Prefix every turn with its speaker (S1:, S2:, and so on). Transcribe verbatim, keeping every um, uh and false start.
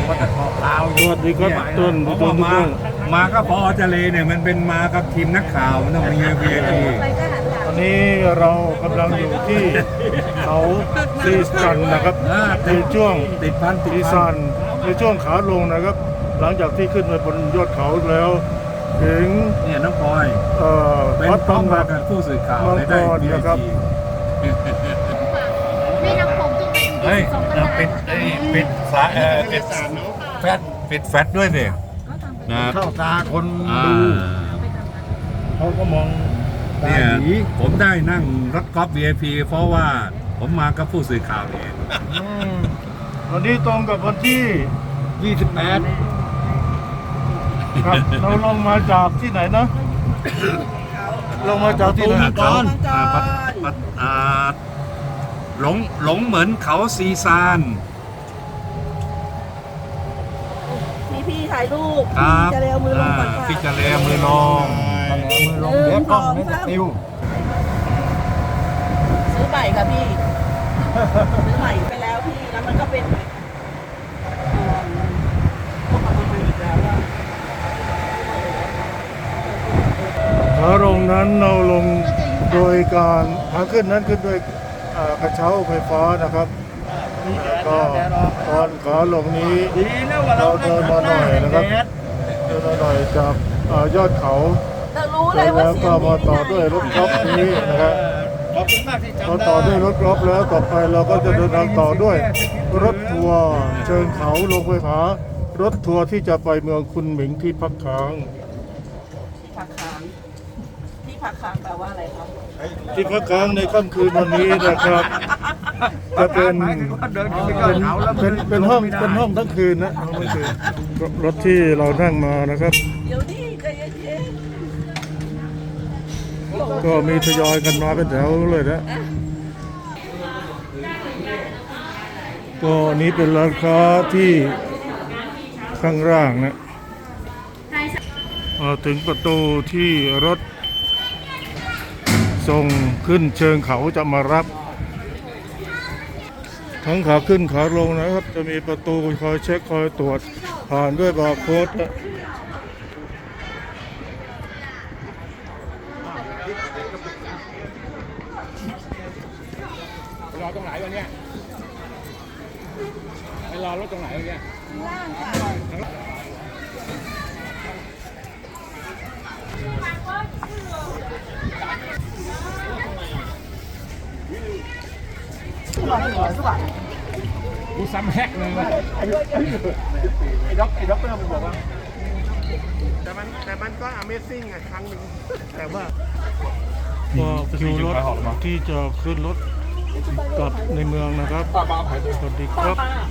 S1: ปตทลาว
S2: สวัสดีครับต้น
S1: เพราะ
S2: ต้
S1: ว่าน มา
S2: ต้น
S1: มาก็พอเจเลเนี่ยมันเป็นมากับทีมนักข่าวมันต้องมี วี ไอ พี
S2: ตอนนี้เรากำลังอยู่ที่เขาซีซันนะครับในช่วง
S1: ติดพันติด
S2: ซี
S1: พั
S2: ซั
S1: น
S2: นในช่วงขาลงนะครับ หลังจากที่ขึ้นไปบนยอดเขาแล้ว ถึง
S1: เนี่ยน้องพลอย
S2: เอ่อ
S1: เป็น
S2: วัด
S1: ต้อง
S2: ตำห
S1: มา
S2: นัก
S1: กับผู้สื่อข่าว
S2: มัง
S1: เลย
S2: ก
S1: ได้
S2: ร
S1: วี ไอ
S2: นะครับ
S1: พี
S3: แม่น้ำโขงต้องเป็น
S1: เฮ้ยเอาปิดไอ้ปิดสายเอ่อปิดแฟตปิดแฟตด้วยสินะ
S4: เข้าตาคน
S1: อ่า
S4: ดูเขาก็มองตา
S1: เนี่ย
S4: หยี
S1: ผมได้นั่งรถกอล์ฟ วี ไอ พี เพราะว่าผมมากับผู้สื่อข่าวเอง
S2: อืมวันนี้ตรงกับวันที่
S4: ยี่สิบแปด
S2: ครับเราลงมาจากที่ไหนนะลงมาจากที่ไหน
S1: เขาอ่าปัดปัดอ่าหลงหลงเหมือนเขาซีซาน
S5: พี่พี่ถ่ายรูป
S1: ครับ
S5: พี่จะเร็วมือลงก่อน
S1: อ่า
S5: ค่ะ
S1: พี่จะเลมือลง
S4: มือลงเดี๋ยวกล้องไม่จะติว
S5: ซื้อใหม่ค่ะพี่ ซื้อใหม่ไปแล้วพี่ แล้วมันก็เป็นเอ่อพวกเอามาใหม่อีกแล้วอะ
S2: ขาลงนั้นเราลงโดยการขาขึ้นนั้นขึ้นโดยเอ่อกระเช้าไฟฟ้านะครับแล้วก็ตอนขาลงนี้
S4: ดีนะว่าเรา
S2: เราเดินมาหน่อยนะครับ เดินมาหน่อยจากเอ่อยอดเขา
S5: แต่รู้เลยว่า
S2: แล้ว
S5: เสีย
S2: ก็
S5: ง
S2: มาต่อด้วยรถกอล์ฟนี้นะครับ
S4: ขอบคุณมากที่
S2: พอ
S4: จำได้
S2: ต่อด้วยรถกอล์ฟแล้วต่อไปเราก็จะเดินทางต่อด้วยรถทัวร์เชิงเขาลงไปหารถทัวร์ที่จะไปเมืองคุณหมิงที่พักค้าง
S5: ที่พักค้างที่พักค้างแปลว่าอะไรครับ
S2: ที่พักค้างในค่ำคืนวันนี้นะครับ จะเป็น
S4: หมายถึงว่าเดินขึ้นไปยอ
S2: เป็
S4: ด
S2: น
S4: เขาแล้ว
S2: เป็นเป็นห้องเป็นห้องทั้งคืนนะห้องทั้งคืนรถที่เรานั่งมานะครับ
S5: เดี๋ยวนี้ใจเย็น
S2: ก็มีทยอยกันมาเป็นแถวเลยนะ ก็นี้เป็นร้านค้าที่ข้างล่างนะมาถึงประตูที่รถส่งขึ้นเชิงเขาจะมารับ ทั้งขาขึ้นขาลงนะครับ จะมีประตูคอยเช็คคอยตรวจผ่านด้วยบาร์โค้ดนะ
S4: รอตรงไหนวะเนี่ยไปรอรถตรงไหนวะเนี่ย กูซ้ำแฮกเลยวะไอ้ด็อกไอ้ด็อกเตอร์มันบอกว่าแต่มันแต่มันก็ Amazing อ่ะครั้งหนึ่งแต่ว่า
S2: ก็คิวรถที่จะขึ้นรถกลับในเมืองนะครับ สวัสดีครับ